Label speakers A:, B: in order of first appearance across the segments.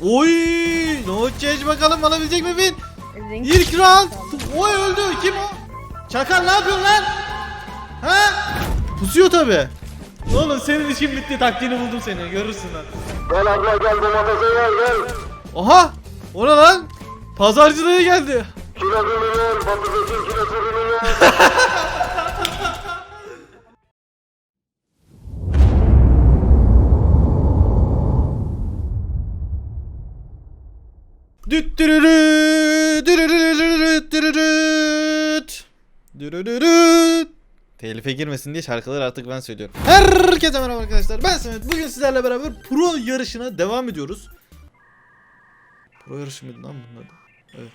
A: Oy! No change bakalım alabilecek mi win? İlk round. Oy öldü. Kim o? Çakal ne yapıyorsun lan? Ha? Pusuyor tabi. Oğlum senin işin bitti. Taktiğini buldum seni. Görürsün lan.
B: Gel abla gel domatese gel.
A: Oha! O ne lan? Pazarcılığa geldi.
B: Kilo ürünü patatesin kilosu ürünü. Telife girmesin diye şarkıları artık ben söylüyorum. Herkese merhaba arkadaşlar. Ben Samet. Bugün sizlerle beraber pro yarışına devam ediyoruz. Pro yarışı mıydı lan bunun adı? Evet.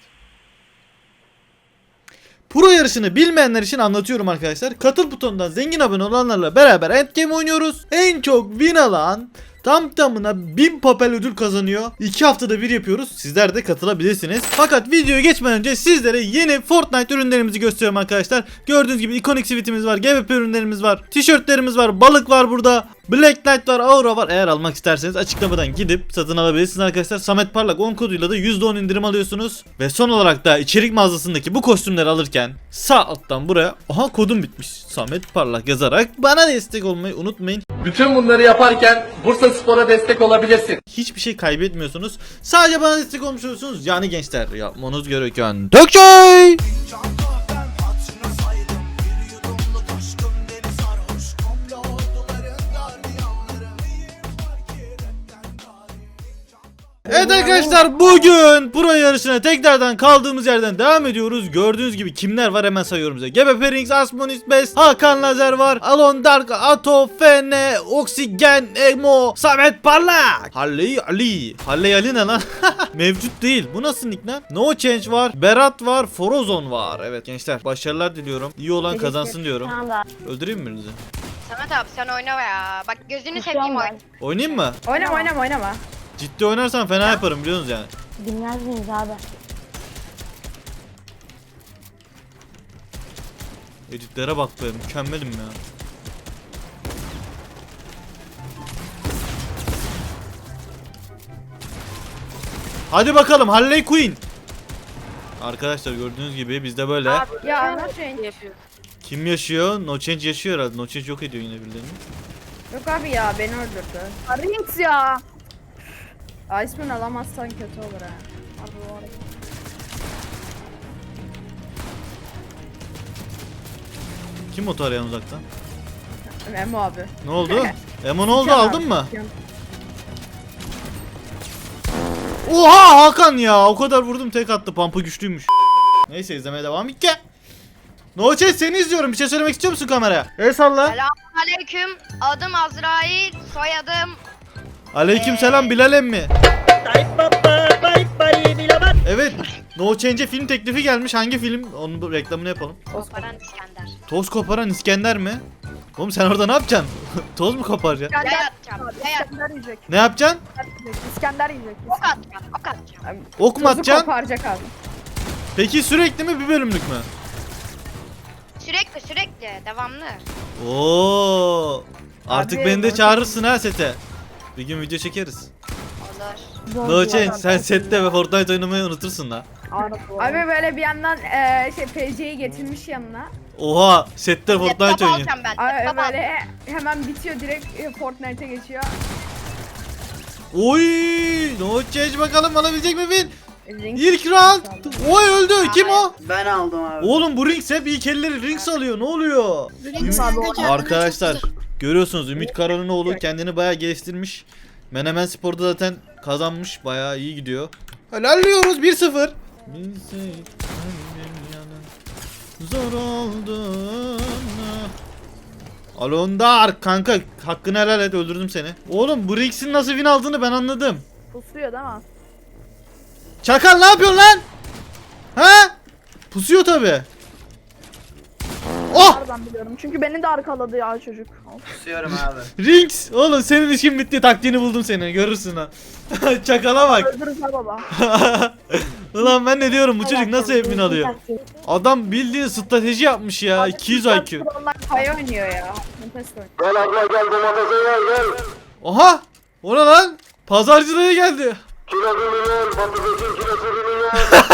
B: Pro yarışını bilmeyenler için anlatıyorum arkadaşlar. Katıl butonundan zengin abone olanlarla beraber endgame oynuyoruz. En çok win alan tam tamına 1000 papel ödül kazanıyor. 2 haftada bir yapıyoruz. Sizler de katılabilirsiniz. Fakat videoya geçmeden önce sizlere yeni Fortnite ürünlerimizi gösteriyorum arkadaşlar. Gördüğünüz gibi ikonik sweetimiz var, GBP ürünlerimiz var, tişörtlerimiz var, balık var burada. Black Knight var, Aura var. Eğer almak isterseniz açıklamadan gidip satın alabilirsiniz arkadaşlar. Samet Parlak 10 koduyla da %10 indirim alıyorsunuz. Ve son olarak da içerik mağazasındaki bu kostümleri alırken sağ alttan buraya aha kodum bitmiş Samet Parlak yazarak bana destek olmayı unutmayın.
C: Bütün bunları yaparken Bursaspor'a destek olabilirsin.
A: Hiçbir şey kaybetmiyorsunuz. Sadece bana destek olmuş oluyorsunuz. Yani gençler yapmanız gereken tek şey. Evet arkadaşlar bugün pro yarışına tekrardan kaldığımız yerden devam ediyoruz. Gördüğünüz gibi kimler var hemen sayıyorum size. GBP Rings, Asmonis Best, Hakan Lazer var, Alon Dark, Ato, Fene, Oksigen, Emo, Samet Parlak, Halley Ali. Halley Ali ne lan? Mevcut değil. Bu nasıl nick lan? No Change var, Berat var, Forozon var. Evet gençler başarılar diliyorum. İyi olan kazansın diyorum. Öldüreyim mi birinizi?
D: Samet abi sen oyna ya. Bak gözünü seveyim oyna.
A: Oynayayım mı?
E: Oynama.
A: Ciddi oynarsan fena yaparım biliyorsunuz yani.
E: Bilmez miyiz abi?
A: Editlere bak be mükemmelim ya. Hadi bakalım Harley Quinn. Arkadaşlar gördüğünüz gibi bizde böyle.
E: Ya No
D: yapıyor.
A: Kim yaşıyor? No Change yaşıyor herhalde. No Change yok ediyor yine birilerini.
E: Yok abi ya beni öldürdü.
D: Rings ya.
E: Iceman alamazsan kötü olur ha. Abi bu arada.
A: Kim otu arayan uzaktan?
E: Memo abi.
A: Ne oldu? Emo ne oldu aldın mı? Oha Hakan ya o kadar vurdum tek attı pampa güçlüymüş. Neyse izlemeye devam ki. No Change seni izliyorum bir şey söylemek istiyor musun kameraya? El salla.
D: Selamünaleyküm. Adım Azrail, soyadım
A: Aleyküm selam Bilal emmi. Evet No Change'e film teklifi gelmiş. Hangi film? Onun reklamını yapalım.
D: Koparan İskender.
A: Toz koparan İskender mi? Oğlum sen orada ne yapacaksın? Toz mu koparacaksın?
D: Yay atacağım. Yay atacağım.
E: İskender yiyecek.
A: Ne yapacaksın?
E: İskender yiyecek.
D: Ok atacağım. Ok atacağım.
A: Ok mu
E: Tozu
A: atacaksın?
E: koparacak abi.
A: Peki sürekli mi bir bölümlük mü?
D: Sürekli. Devamlı.
A: Oo. Artık
E: Abi,
A: beni de
E: No
A: çağırırsın ha sete. Bir gün video çekeriz.
D: Olur.
A: No Change sen sette ve Fortnite oynamayı unutursun la.
E: Abi böyle bir yandan PC'yi getirmiş yanına.
A: Oha sette Fortnite
D: Laptop
A: oynuyor.
D: alacağım ben.
E: Abi
D: Laptop alacağım.
E: böyle hemen bitiyor direkt Fortnite'e geçiyor.
A: Oy No Change bakalım alabilecek mi win?
E: Ring.
A: İlk round. Oy öldü. Kim o?
F: Ben aldım abi.
A: Oğlum bu Rings hep iyi kelleri Rings alıyor. Ne oluyor? Arkadaşlar görüyorsunuz Ümit Karan'ın kendini bayağı geliştirmiş. Menemen Spor'da zaten kazanmış. Bayağı iyi gidiyor. Helalliyoruz 1-0. Zor oldu. Alondar kanka hakkını helal et öldürdüm seni. Oğlum bu Rings'in nasıl win aldığını ben anladım.
E: Pusuyor değil mi?
A: Çakal ne yapıyorsun lan? Ha? Pusuyor tabi. Oh!
E: Nereden biliyorum? Çünkü beni de arkaladı ya çocuk.
F: Kusuyorum abi.
A: Rings! Oğlum senin işin bitti. Taktiğini buldum seni. Görürsün ha. Çakala bak.
E: Öldürürüz ha baba.
A: Ulan ben ne diyorum bu çocuk nasıl hep win alıyor? Adam bildiğin strateji yapmış ya. 200 IQ.
E: Onlar pay oynuyor ya. Nefes oynuyor.
B: Gel abla gel domatese gel.
A: Oha! O ne lan? Pazarcılığa geldi.
G: Kilosunu yer, patatesin kilosunu yer.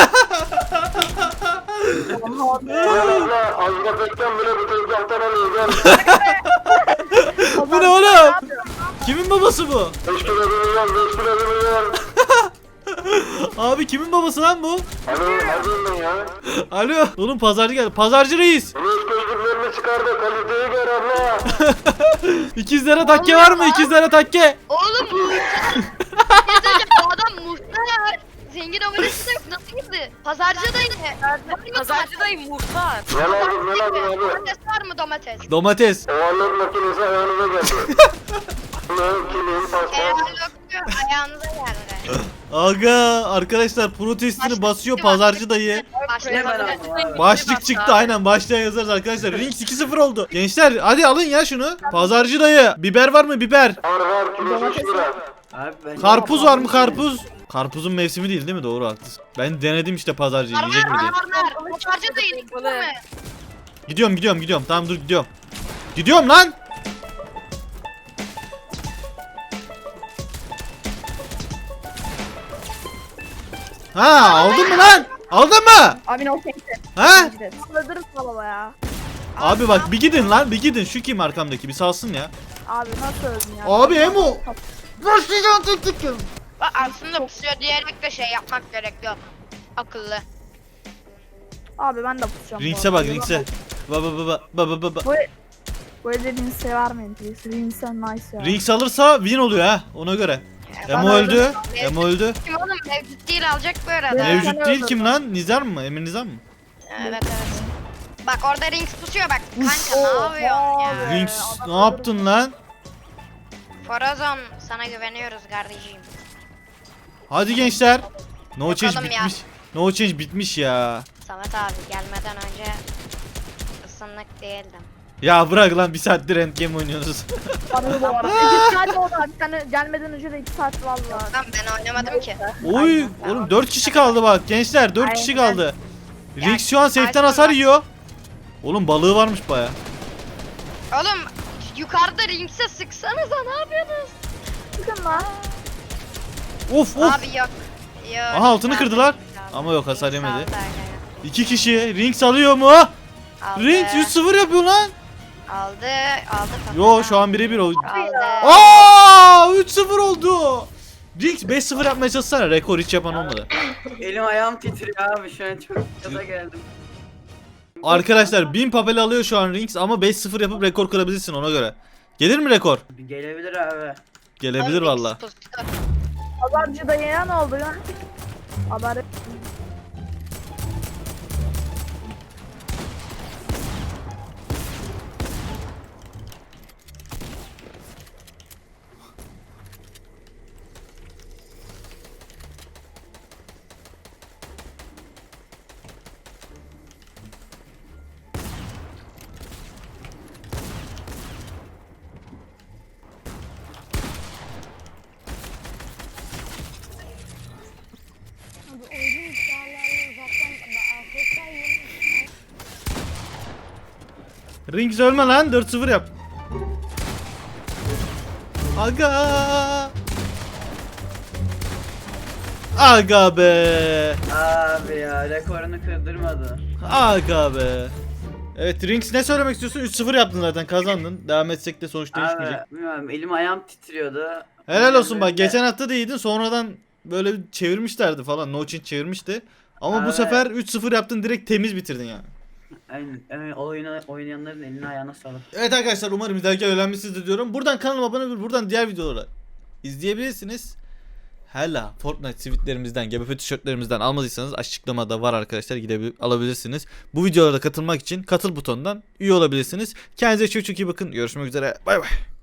G: Azrapetten bile bu tezgahtan alıyor.
A: Bu ne oğlum? Kimin babası bu?
G: 5 kilosunu yer, 5 kilosunu yer.
A: Abi kimin babası lan bu?
G: Alo, neredeyim ben ya?
A: Alo. Oğlum pazarcı geldi. Pazarcı reis.
G: Reis gözlüklerini çıkar da kaliteyi gör abla.
A: İkizlere takke var mı? İkizlere takke.
D: Oğlum muhtar. Bu adam muhtar. Zengin abonesi de yok. Nasıl girdi? Pazarcı dayı.
H: Pazarcı dayı muhtar.
G: Ne lazım, ne lazım abi?
D: Domates var mı domates?
A: Domates.
G: Ovallık makinesi ayağınıza geldi. Ne, kilim, paspas.
D: Helal olsun, ayağınıza geldi.
A: Aga arkadaşlar protestini basıyor pazarcı dayı.
F: Hemen aldım abi.
A: Başlık çıktı aynen başlığa yazarız arkadaşlar. Rings 2-0 oldu. Gençler hadi alın ya şunu. Pazarcı dayı. Biber var mı biber?
G: Var, kilosu 3 lira.
F: Abi ben
A: Karpuz var mı karpuz? Karpuzun mevsimi değil mi? Doğru haklısın. Ben denedim işte pazarcıyı yiyecek mi diye.
D: Pazarcı dayı değil mi?
A: Gidiyorum. Tamam dur gidiyorum. Gidiyorum lan. Ha aldın mı lan? Aldın mı?
E: Abi no thanks.
A: Ha?
E: Alırız baba ya.
A: Abi bak bir gidin lan bir gidin. Şu kim arkamdaki bir salsın ya.
E: Abi nasıl öldün ya?
A: Abi Emo. Başlayacağım tek.
D: Bak aslında pusuyor diyerek de şey yapmak gerekiyor. Akıllı.
E: Abi ben de pusacağım.
A: Rings'e bak Rings'e. Baba.
E: Bu evde Rings'e vermeyin. Rings'e nice ya.
A: Rings alırsa win oluyor ha ona göre. Emo öldü. Emo öldü.
D: Kim oğlum mevcut değil alacak bu arada.
E: Evet.
A: Mevcut değil kim lan? Nizar mı? Emir Nizar mı?
D: Evet. Bak orada Rings pusuyor bak. Kanka ne yapıyorsun ya?
A: Rings ne yaptın lan?
D: Forazon sana güveniyoruz kardeşim.
A: Hadi gençler. No change
D: Bakalım ya.
A: bitmiş. No change bitmiş ya.
D: Samet abi gelmeden önce ısınlık değildim.
A: Ya bırak lan bir saattir endgame oynuyoruz.
E: Bana bu arada. 2 saat oldu abi. Sen gelmeden önce de 2 saat valla.
D: Lan ben oynamadım ki.
A: Oy oğlum 4 kişi kaldı bak gençler 4 kişi kaldı. Rings şu an safe'ten hasar yiyor. Oğlum balığı varmış baya.
D: Oğlum yukarıda Rings'e sıksanıza ne yapıyorsunuz?
E: Çıkın lan.
A: Of.
D: Abi yok. Yok.
A: Aha, altını kırdılar. Ama yok, hasar yemedi. 2 kişi Rings alıyor mu? Rings 3-0 yapıyor lan.
D: Aldı.
A: Yo şu an 1-1 oldu.
D: Aldı.
A: Aa 3-0 oldu. Rings 5-0 yapmaya çalışsana, rekor hiç yapan olmadı.
F: Elim ayağım titriyor abi şu an çok gaza geldim.
A: Arkadaşlar 1000 papel alıyor şu an Rings ama 5-0 yapıp rekor kırabilirsin ona göre. Gelir mi rekor?
F: Gelebilir abi.
A: Gelebilir valla.
E: Pazarcı dayıya ne oldu ya? Haber.
A: Rings ölme lan, 4-0 yap. Aga. Aga be.
F: Abi ya rekorunu kırdırmadı.
A: Aga be. Evet Rings ne söylemek istiyorsun? 3-0 yaptın zaten, kazandın. Devam etsek de sonuç değişmeyecek.
F: Abi bilmiyorum elim ayağım titriyordu.
A: Helal olsun bak, geçen hafta da iyiydin, sonradan böyle çevirmişlerdi falan. No change çevirmişti. Ama bu
F: Evet.
A: sefer 3-0 yaptın, direkt temiz bitirdin yani.
F: Aynen o oyunu oynayanların eline ayağına sağlık.
A: Evet arkadaşlar, umarım izlerken öğrenmişsinizdir diyorum. Buradan kanalıma abone olun, buradan diğer videoları izleyebilirsiniz. Hala Fortnite tweetlerimizden, GBP tişörtlerimizden almadıysanız açıklamada var arkadaşlar, alabilirsiniz. Bu videolara katılmak için katıl butonundan üye olabilirsiniz. Kendinize çok çok iyi bakın. Görüşmek üzere. Bay bay.